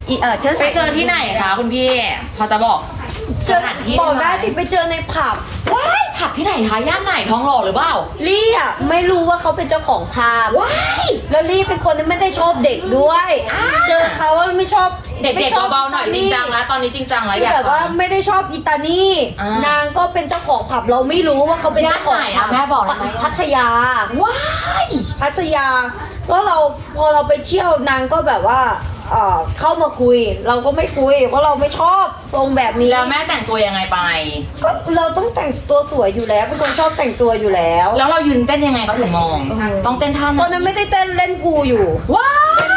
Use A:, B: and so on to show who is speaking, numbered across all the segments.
A: ไปเจอที่ไหนคะคุณพี่พอจะบอกสถานที่
B: บอกได้ที่ไปเจอในผับ
A: ว้ายผับที่ไหนคะย่านไหนทองหล่อหรือเปล่า
B: ลี่อ่ะไม่รู้ว่าเขาเป็นเจ้าของผับ
A: ว้าย
B: แล้วลี่เป็นคนที่ไม่ได้ชอบเด็กด้วย เจอเขาว่าไม่ชอบ
A: เด็กๆเบาๆหน่อยจริงจังแล้วตอนนี้จริงจังแล้ว
B: คือ
A: อยาก
B: แบบว่า
A: ฟัง
B: ไม่ได้ชอบอิตาลี
A: อ่าน
B: นางก็เป็นเจ้าของผับเราไม่รู้ว่าเขาเป็นเจ้าของ
A: ย่านไหน
B: ผั
A: อะแม่บอกได้ไหม
B: พัทยา
A: ว้าย
B: พัทยาแล้วเราพอเราไปเที่ยวนางก็แบบว่าเข้ามาคุย เราก็ไม่คุยเพราะเราไม่ชอบทรงแบบนี้
A: แล้วแม่แต่งตัวยังไงไป
B: ก็เราต้องแต่งตัวสวยอยู่แล้วเป็นคนชอบแต่งตัวอยู่แล้ว
A: แล้วเรายืนเต้นยังไงเขาถึงมอง ต้องเต้นท่าไห
B: ตอนนั้นไม่ได้เต้นเล่นพูลอยู่
A: ว้าย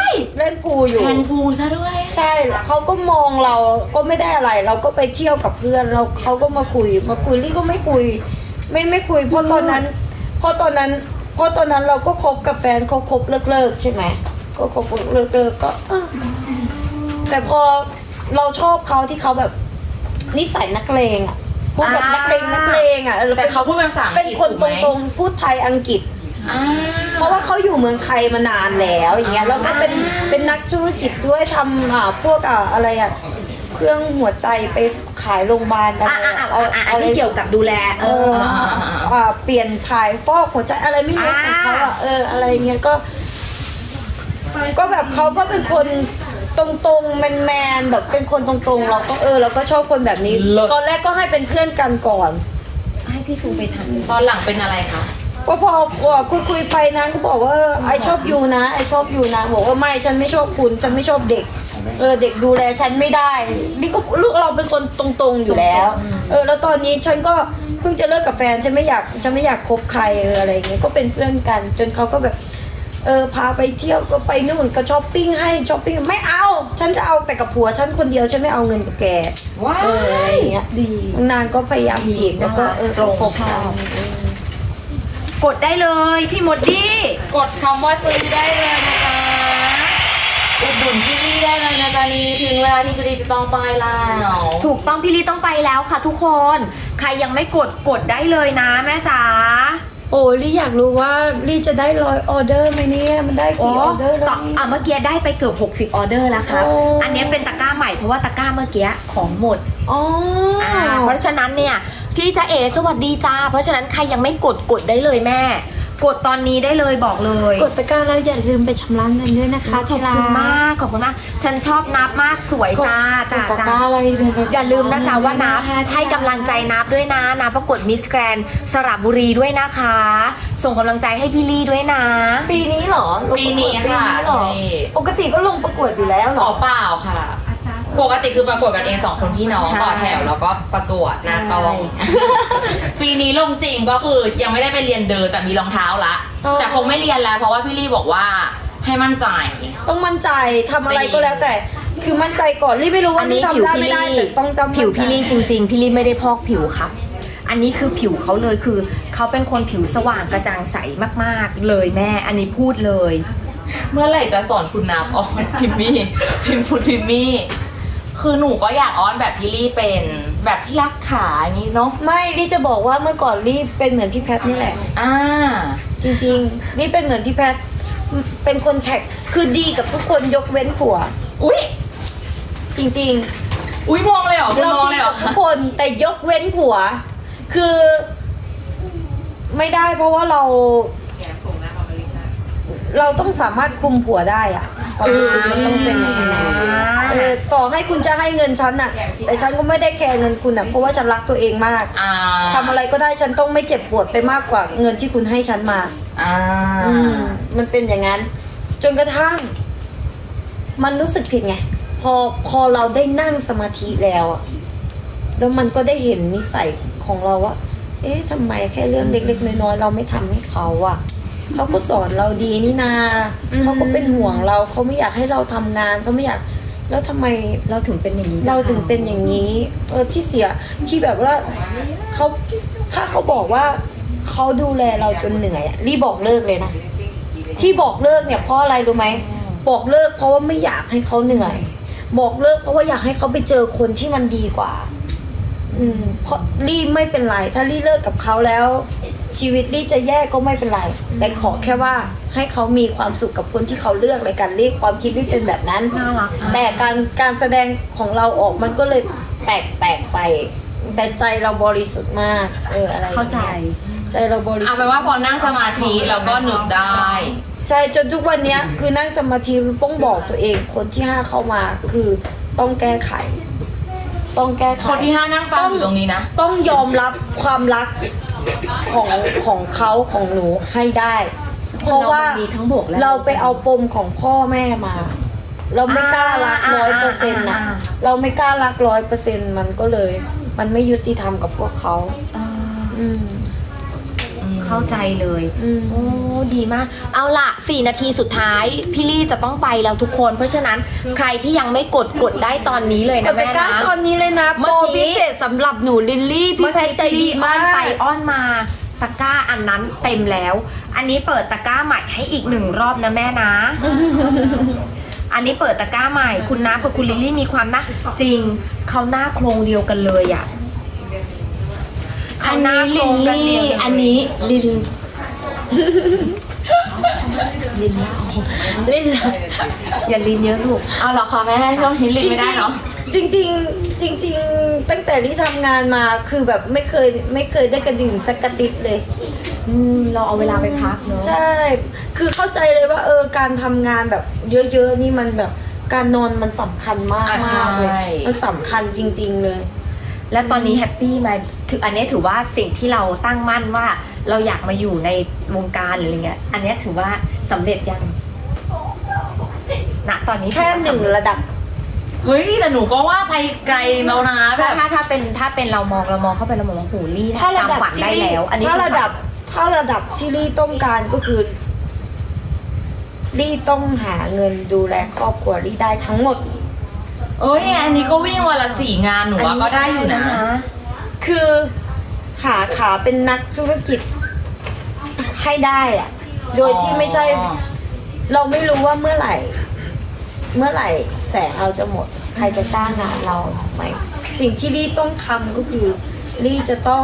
B: เล่นพูลอยู่
A: แทนพูซะด้วย
B: ใช่เขาก็มองเราก็ไม่ได้อะไร เราก็ไปเที่ยวกับเพื่อนเราเขาก็มาคุยลี่ก็ไม่คุย ไม่คุยเพราะตอนนั้นเราก็คบกับแฟนเขาคบเลิกใช่ไหมก็คบเลิกก็แต่พอเราชอบเขาที่เขาแบบนิสัยนักเลงอ่ะพวกแบบนักเลงอ่ะ
A: แต่เขาพูดเป็นภาษาอังกฤษ
B: เป็นคน
A: ถูกไหม
B: ตรงๆพูดไทยอังกฤษ
A: อ่า
B: เพราะว่าเขาอยู่เมืองไทยมานานแล้วอย่างเงี้ยแล้วก็เป็นนักธุรกิจด้วยทำพวกอะไรอะเครื่องหัวใจไปขายโรงพยาบาลอะไร
C: ที่เกี่ยวกับดูแล
B: เปลี่ยนถ่ายฟอกหัวใจอะไรไม่รู้ของเขาอะอะไรเงี้ยก็แบบเขาก็เป็นคนตรงๆแมนๆแบบเป็นคนตรงๆเราก็เราก็ชอบคนแบบนี้ ตอนแรกก็ให้เป็นเพื่อนกันก่อน
C: ให้พี่ซูไปทำ
A: ตอนหลังเป็นอะไรคะ
B: ก็พอคุยไปนะก็บอกว่าไอชอบยูนะไอชอบยูนะบอกว่าไม่ฉันไม่ชอบคุณฉันไม่ชอบเด็กเด็กดูแลฉันไม่ได้นี่ก็ลูกเราเป็นคนตรงๆอยู่แล้วแล้วตอนนี้ฉันก็เพิ่งจะเลิกกับแฟนฉันไม่อยากคบใครอะไรอย่างเงี้ยก็เป็นเพื่อนกัน จนเขาก็แบบพาไปเที่ยวก็ไปนู่นก็ช้อปปิ้งให้ช้อปปิ้งไม่เอาฉันจะเอาแต่กับผัวฉันคนเดียวฉันไม่เอาเงินกับแก
A: ว้า
B: อะไร
A: ย
B: อย่างเงี้ย
C: ดี
B: นางก็พยายามจีบแล้วก็
C: ตรง
B: คบ
C: ชอ
B: เขา
C: บกดได้เลยพี่มดดี้
A: กดคำว่าซื้อได้เลยนะจ๊ะอุดหนุนพี่ลี่ได้เลยนะจ๊ะนี่ถึงเวลาที่พี่ลี่จะต้องไปแล้ว
C: ถูกต้องพี่ลี่ต้องไปแล้วค่ะทุกคนใครยังไม่กดได้เลยนะแม่จ๋า
B: โอ้ลี่อยากรู้ว่าลี่จะได้100 ออเดอร์ไหมเนี่ยมันได้กี่ออเดอร์แล้ว
C: เมื่อกี้ได้ไปเกือบ60 ออเดอร์แล้วครับ
B: โอ้
C: อันนี้เป็นตะกร้าใหม่เพราะว่าตะกร้าเมื่อกี้ของหมด
B: อ๋อ
C: เพราะฉะนั้นเนี่ยพี่จ๊ะเอ๋สวัสดีจ้าเพราะฉะนั้นใครยังไม่กดได้เลยแม่ กดตอนนี้ได้เลยบอกเลย
B: กดตะกร้าแล้วอย่าลืมไปชำระเงินด้วยนะคะ
C: ขอบคุณมากขอบคุณมากฉันชอบนับมากสวยจ้าจ้า
B: ตะก
C: จ้า
B: ร้าอะไรเลยไป
C: อย่าลืมนะจ๊ะว่านับให้กำลังใจนับด้วยนะนับประกวดมิสแกรนสระบุรีด้วยนะคะ ส่งกำลังใจให้พี่ลี่ด้วยนะ
B: ปีนี้เหรอ
A: ปีนี้ค่ะ
B: เหรอ
A: นี่
B: ปกติก็ลงประกวดอยู่แล้วเหร
A: อ๋
B: อ
A: อเปล่าค่ะ ปกติคือประกวดกันเอง2 คนพี่น้อง
C: ใช่
A: ต่อแถวแล้วก็ประกวดหน้ากล้อง
C: ใช่
A: ปีนี้ลงจริงก็คือยังไม่ได้ไปเรียนเดินแต่มีรองเท้าละ แต่คงไม่เรียนแล้วเพราะว่าพี่ลี่บอกว่าให้มั่นใจ
B: ต้องมั่นใจทำอะไรก็แล้วแต่ คือมั่นใจก่อนลี่ไม่รู้ว่าลี่ทำได้ไม่ได้แต่ต้องจำ
C: ผิวพี่ลี่จริงๆพี่ลี่ไม่ได้พอกผิวครับ อันนี้คือผิวเขาเลยคือเขาเป็นคนผิวสว่างกระจ่างใสมากๆเลยแม่ อันนี้พูดเลย
A: เมื่อไหร่จะสอนคุณนับอ้อนพิมมี่พิมพุดพิมมี่คือหนูก็อยากอ้อนแบบพี่ลี่เป็นแบบที่รักขาอย่างนี้เนาะ
B: ไม่ลี่จะบอกว่าเมื่อก่อนลี่เป็นเหมือนพี่แพทนี่แหละ
A: อ่า
B: จริงๆนี่เป็นเหมือนพี่แพทเป็นคนแท็กคือดีกับทุกคนยกเว้นผัว
A: อุ๊ย
B: จริง
A: อุ๊ยมองเลยเหรอ
B: ๆ
A: คุณ
B: เรา
A: มอง
B: ดี
A: เลยเหร
B: กั
A: อบ
B: ทุกคนแต่ยกเว้นผัว คือไม่ได้เพราะว่าเราต้องสามารถคุมผัวได้อะความรู้สึกมันต้องเป็นอย่างนั้นต่อให้คุณจะให้เงินฉันอะแต่ฉันก็ไม่ได้แคร์เงินคุณอะเพราะว่าฉันรักตัวเองมาก
A: อ่า
B: ทำอะไรก็ได้ฉันต้องไม่เจ็บปวดไปมากกว่าเงินที่คุณให้ฉันมา
A: อ่า
B: มันเป็นอย่างนั้น จนกระทั่ง มันรู้สึกผิดไง พอเราได้นั่งสมาธิแล้วอะแล้วมันก็ได้เห็นนิสัยของเราว่า เอ๊ะทำไมแค่เรื่องเล็กๆน้อยๆเราไม่ทำให้เขาอะเขาก็สอนเราดีนี่นาเขาก็เป็นห่วงเราเขาไม่อยากให้เราทำงานเขาไม่อยาก แล้วทำไม
C: เราถึงเป็นอย่างนี้
B: เราถึงเป็นอย่างนี้ที่เสียที่แบบว่าเขาถ้าเขาบอกว่าเขาดูแลเราจนเหนื่อยอะรีบบอกเลิกเลยนะที่บอกเลิกเนี่ยเพราะอะไรรู้ไหมบอกเลิกเพราะว่าไม่อยากให้เขาเหนื่อย บอกเลิกเพราะว่าอยากให้เขาไปเจอคนที่มันดีกว่าเพราะรีไม่เป็นไรถ้ารีเลิกกับเขาแล้วชีวิตลี่จะแย่ก็ไม่เป็นไร แต่ขอแค่ว่าให้เขามีความสุขกับคนที่เขาเลือกเลยกันลี่ความคิดลี่เป็นแบบนั้น
C: น่ารักมาก
B: แต่การแสดงของเราออกมันก็เลยแปลกไป แต่ใจเราบริสุทธิ์มากอะไรอย่งงี้ย
C: เข้าใจ
B: ใจเราบริสุ
A: เอา
B: ทธิ์
A: เป็นว่าพอนั่งสมาธิเราก็นึกได้
B: ใช่จนทุกวันเนี้ยคือนั่งสมาธิต้องบอกตัวเองคนที่ห้าเข้ามาคือต้องแก้ไข ต้องแก้ไข
A: คนที่ห้านั่งฟังอยู่ตรงนี้นะ
B: ต้องยอมรับความรักของเขาของหนูให้ได้ เพราะว่า
C: มันมีทั้งบวกและ
B: เราไปเอาปมของพ่อแม่มา เราไม่กล้ารัก100%นะเราไม่กล้ารัก100%มันก็เลย มันไม่ยุติธรรมกับพวกเขา
C: อ่า
B: อืม
C: เข้าใจเลย
B: อืม
C: โอ้ดีมาก เอาล่ะ 4 นาทีสุดท้าย พี่ลี่จะต้องไปแล้วทุกคน เพราะฉะนั้นใครที่ยังไม่กดได้ตอนนี้เลย
B: ก
C: นะ
B: ดตะ
C: แม่
B: กร้า
C: นะ
B: ตอนนี้เลยนะ
C: เมื่
B: โป
C: อ
B: ร
C: กี้
B: พิเศษสำหรับหนูลิลลี่พี่แพทย์ใจดี
C: อ้
B: มา
C: อนไป
B: ก
C: อ้อนมาตะกร้าอันนั้นเต็มแล้ว อันนี้เปิดตะกร้าใหม่ให้อีก1 รอบนะแม่นะ อันนี้เปิดตะกร้าใหม่ คุณน้ำกับคุณลิลลี่มีความน่าจริงเขาหน้าโครงเดียวกันเลยอ่ะ
A: อันนี้ลินลี่ อันนี้ลิน
B: เล่น
C: อย่าลิ้นเยอะลูก
A: เอาเหรอคะแม่ช่วงนี้ลินไม่ได้เนาะ
B: จริงๆจริงๆตั้งแต่ที่ทำงานมาคือแบบไม่เคยได้กระดิ่งสักกระติดเลย
C: เราเอาเวลาไปพักเนอะ
B: ใช่ คือเข้าใจเลยว่าการทำงานแบบเยอะๆนี่มันแบบการนอนมันสำคัญมาก
A: อ่ะใช่
B: มากเลยมันสำคัญจริง ๆเลย
C: แล้วตอนนี้แฮปปี้ไหมถืออันนี้ถือว่าสิ่งที่เราตั้งมั่นว่าเราอยากมาอยู่ในวงการหรืออะไรเงี้ย อันนี้ถือว่าสำเร็จยังณตอนนี้
B: แค่
C: ถือว่า
B: หนึ่ง
C: สำเร็จ
B: ระดับ
A: เฮ้ยแต่หนูก็ว่าไปไกลแล้วนะแบบ
C: ถ้าเป็นเรามองเข้าไปเรามองว่าโหลี่
B: ถ้าระ
C: ตาม
B: ดับ
C: ฝัน
B: ที่
C: ได้แล้ว อันนี้
B: ถ้า
C: คือ
B: ระดับที่ลี่ต้องการก็คือลี่ต้องหาเงินดูแลครอบครัวลี่ได้ทั้งหมด
A: เอ้ยอันนี้ก็วิ่งวันละ4 งานหนูว่าก็ได้อยู่นะ
B: คือหาขาเป็นนักธุรกิจให้ได้อะโดยที่ไม่ใช่ เราไม่รู้ว่าเมื่อไหร่แสงเราจะหมด ใครจะจ้างงานเราถูกไหมสิ่งที่ลี่ต้องทำก็คือลี่จะต้อง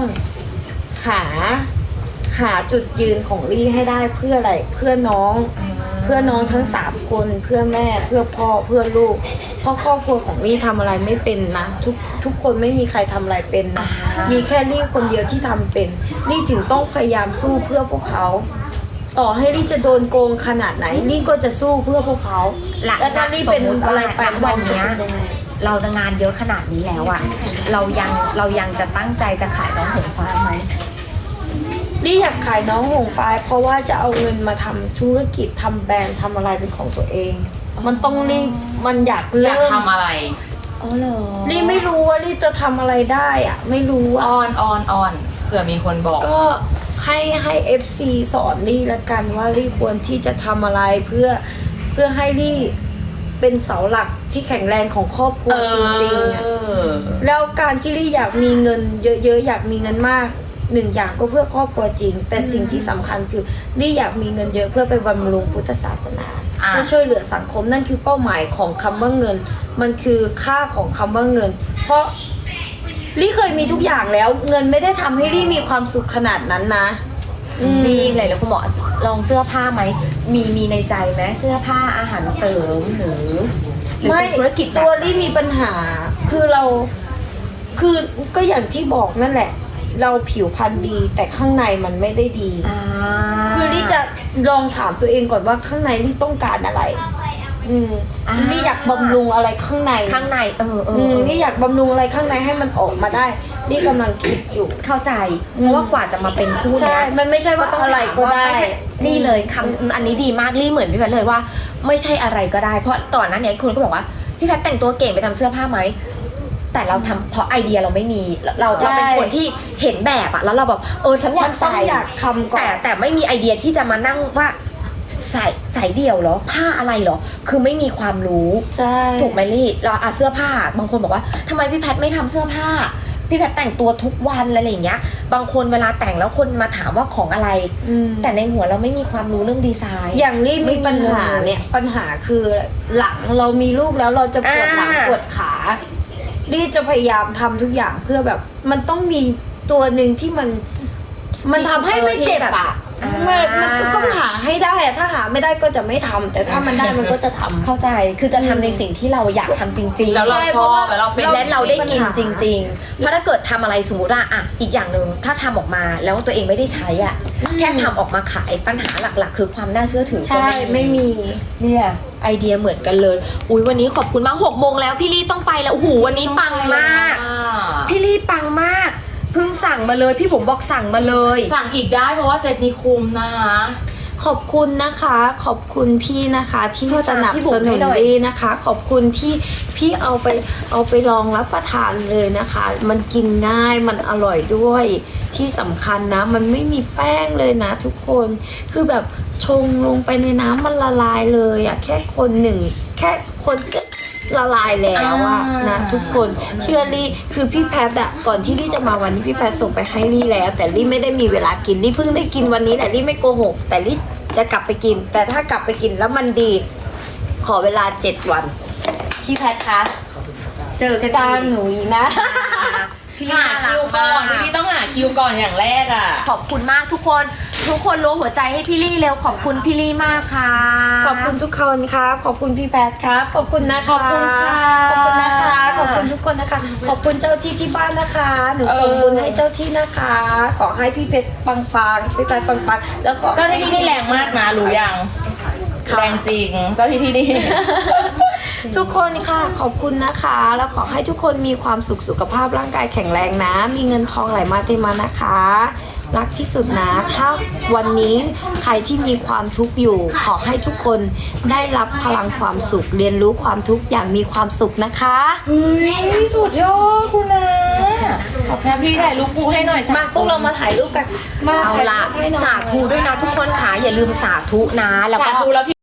B: หาจุดยืนของลี่ให้ได้เพื่ออะไรเพื่อน้องทั้ง3 คนเพื่อแม่เพื่อพ่อเพื่อลูกเพราะครอบครัวของลี่ทำอะไรไม่เป็นนะทุกคนไม่มีใครทำอะไรเป็นนะมีแค่ลี่คนเดียวที่ทำเป็นลี่จึงต้องพยายามสู้เพื่อพวกเขา ต่อให้ลี่จะโดนโกงขนาดไหนลี่ก็จะสู้เพื่อพวกเขา
C: หลัง
B: แล้วถ้าลี่เป็นอะไรไป
C: ณวันเนี้ย
B: จะเป็นยังไง
C: เรางานเยอะขนาดนี้แล้วอะเรายังจะตั้งใจจะขายน้องหงฟ้าไหม
B: ลี่อยากขายน้องหงฟ้าเพราะว่าจะเอาเงินมาทำธุรกิจทำแบรนด์ทำอะไรเป็นของตัวเอง มันต้องรีบมันอยาก
A: อยา
B: เริ่
A: ก
B: ม
A: ทำอะไร
C: อ๋อเหรอ
B: ลี่ไม่รู้ว่าลี่จะทำอะไรได้อะไม่รู้อะ
A: ออนเผื่อมีคนบอก
B: ก็ให้ FC สอนลี่ละกันว่าลี่ควรที่จะทำอะไรเพื่อให้ลี่เป็นเสาหลักที่แข็งแรงของครอบครัวจริงๆอะ แล้วการที่ลี่อยากมีเงินเยอะๆอยากมีเงินมาก1 อย่างก็เพื่อครอบครัวจริง แต่สิ่งที่สำคัญคือลี่อยากมีเงินเยอะเพื่อไปบำรุงพุทธศาสนา
A: อ่ะ
B: เพื่อช่วยเหลือสังคมนั่นคือเป้าหมายของคำว่าเงิน มันคือค่าของคำว่าเงิน เพราะลี่เคยมีทุกอย่างแล้ว เงินไม่ได้ทำให้ลี่มีความสุขขนาดนั้นนะอืม
C: นี่เลยแล้วคุณหมอลองเสื้อผ้าไหมมีในใจไหมเสื้อผ้าอาหารเสริมหรือเป็นธุรกิจแบบ
B: ตัวลี่มีปัญหาคือก็อย่างที่บอกนั่นแหละ เราผิวพรรณดีแต่ข้างในมันไม่ได้ดี
C: อ่า
B: คือลี่จะลองถามตัวเองก่อนว่าข้างในลี่ต้องการอะไร ลี่อยากบำรุงอะไรข้างใน
C: ข้างใน
B: ลี่อยากบำรุงอะไรข้างในให้มันออกมาได้ลี่กำลังคิดอยู่
C: เข้าใจเพราะว่ากว่าจะมาเป็นคู่
B: ใช่
C: เนี้ย
B: มันไม่ใช่ว่าอะไรก็ได้
C: ม่ใช่นี่เลยคำอันนี้ดีมากลี่เหมือนพี่แพทย์เลยว่าไม่ใช่อะไรก็ได้ เพราะตอนนั้นเนี่ยคนก็บอกว่าพี่แพทย์แต่งตัวเก่งไปทำเสื้อผ้าไหมแต่เราทำเพราะไอเดียเราไม่มีเราเป็นคนที่เห็นแบบอะแล้วเราแบบฉันอยาก
B: ต้อง
C: ใส่
B: อยากทำก่อน
C: แต่ไม่มีไอเดียที่จะมานั่งว่าใส่เดี่ยวเหรอผ้าอะไรเหรอคือไม่มีความรู้
B: ใช่
C: ถูกไหมลี่เราเสื้อผ้าบางคนบอกว่าทำไมพี่แพทย์ไม่ทำเสื้อผ้าพี่แพทย์แต่งตัวทุกวันอะไรอย่างเงี้ย บางคนเวลาแต่งแล้วคนมาถามว่าของอะไร แต่ในหัวเราไม่มีความรู้เรื่องดีไซน์
B: อย่างลี่มีปัญหาเนี่ยปัญหาคือหลังเรามีลูกแล้วเราจะปวดหลังปวดขาลี่จะพยายามทำทุกอย่างเพื่อแบบมันต้องมีตัวหนึ่งที่มันทำให้ไม่เจ็บอ่ะมันก็ต้องหาให้ได้อะถ้าหาไม่ได้ก็จะไม่ทำแต่ถ้ามันได้มันก็จะทำ
C: เข้าใจคือจะทำในสิ่งที่เราอยากทำจริงๆ
A: แล้วเราชอบแล้วเราเป็น
C: และเราได้กิน
B: ปัญหา
C: จริง ๆ เพราะถ้าเกิดทำอะไรสมมติว่าอ่ะอีกอย่างหนึ่งถ้าทำออกมาแล้วตัวเองไม่ได้ใช้อ่ะแค่ทำออกมาขายปัญหาหลักๆ คือความน่าเชื่อถือก็
B: ใช่ไม่มี
C: เนี่ยไอเดียเหมือนกันเลยอุ้ยวันนี้ขอบคุณมาก6 โมงแล้วพี่ลี่ต้องไปแล้วโอ้โหวันนี้ปังมาก พี่ลี่ปังมากเพิ่งสั่งมาเลยพี่ผมบอกสั่งมาเลย
A: สั่งอีกได้เพราะว่าเซตนี้คุ้มนะคะ
B: ขอบคุณนะคะ ขอบคุณพี่นะคะที่
C: โทร
B: ส
C: ตาม
B: นับ
C: พี่บุ๋
B: ส
C: ม
B: นุ
C: ให้
B: น
C: หน่อย
B: ดีนะคะ ขอบคุณที่พี่เอาไปลองรับประทานเลยนะคะ มันกินง่ายมันอร่อยด้วยที่สำคัญนะ มันไม่มีแป้งเลยนะทุกคนคือแบบชงลงไปในน้ำมันละลายเลยอะแค่คนหนึ่งแค่คนก็ละลายแล้วอะนะทุกคนเชื่อลี่คือพี่แพทอะก่อนที่ลี่จะมาวันนี้พี่แพทส่งไปให้ลี่แล้ว แต่ลี่ไม่ได้มีเวลากินลี่เพิ่งได้กินวันนี้แต่ลี่ไม่โกหกแต่ลี่จะกลับไปกิน แต่ถ้ากลับไปกินแล้วมันดี ขอเวลา7 วันพี่แพทคะ
C: เจอกัน
B: จ้างหนูอีกนะ
C: พี่ลี่
A: หา
C: น่ารั
A: คิ
C: ก
A: วก่อน
C: มาก
A: พี่ต้องหาคิวก่อนอย่างแรกอ่ะ
C: ขอบคุณมากทุกคนรู้หัวใจให้พี่ลี่เร็วขอบคุณพี่ลี่มากค่ะ
B: ขอบคุณทุกคนครับ ขอบคุณพี่แพทครับ ขอบคุณนะคะ
A: ขอบคุณค่ะ
B: ขอบคุณนะคะ ขอบคุณทุกคนนะคะ ขอบคุณเจ้าที่ที่บ้านนะคะ หนูส่งบุญให้เจ้าที่นะคะ ขอให้พี่เพชรปังๆพี่แพทปังๆแล้วขอ
A: เจ้าหน้าที่นี่แรงมากนะรู้ยังแรงจริงเจ้าหน้าที่นี่
B: ทุกคนค่ะ ขอบคุณนะคะ แล้วขอให้ทุกคนมีความสุขสุขภาพร่างกายแข็งแรงนะ มีเงินทองไหลมาเทมานะคะ รักที่สุดนะ ถ้าวันนี้ใครที่มีความทุกข์อยู่ ขอให้ทุกคนได้รับพลังความสุข เรียนรู้ความทุกข์อย่างมีความสุขนะคะ
A: เฮ้ยสุดยอดคุณนะนะพี่ถ่ายรูปปูให้หน่อยสั
B: มาพวกเรามาถ่ายรูปกัน มา
C: เอา
B: ถ่าย
C: ละ
B: รูปให้หน่อย
C: สาธุด้วยนะทุกคนค่ะอย่าลืมสาธุนะแล้ว
A: สา
C: ก็
A: ธุแล้วพี่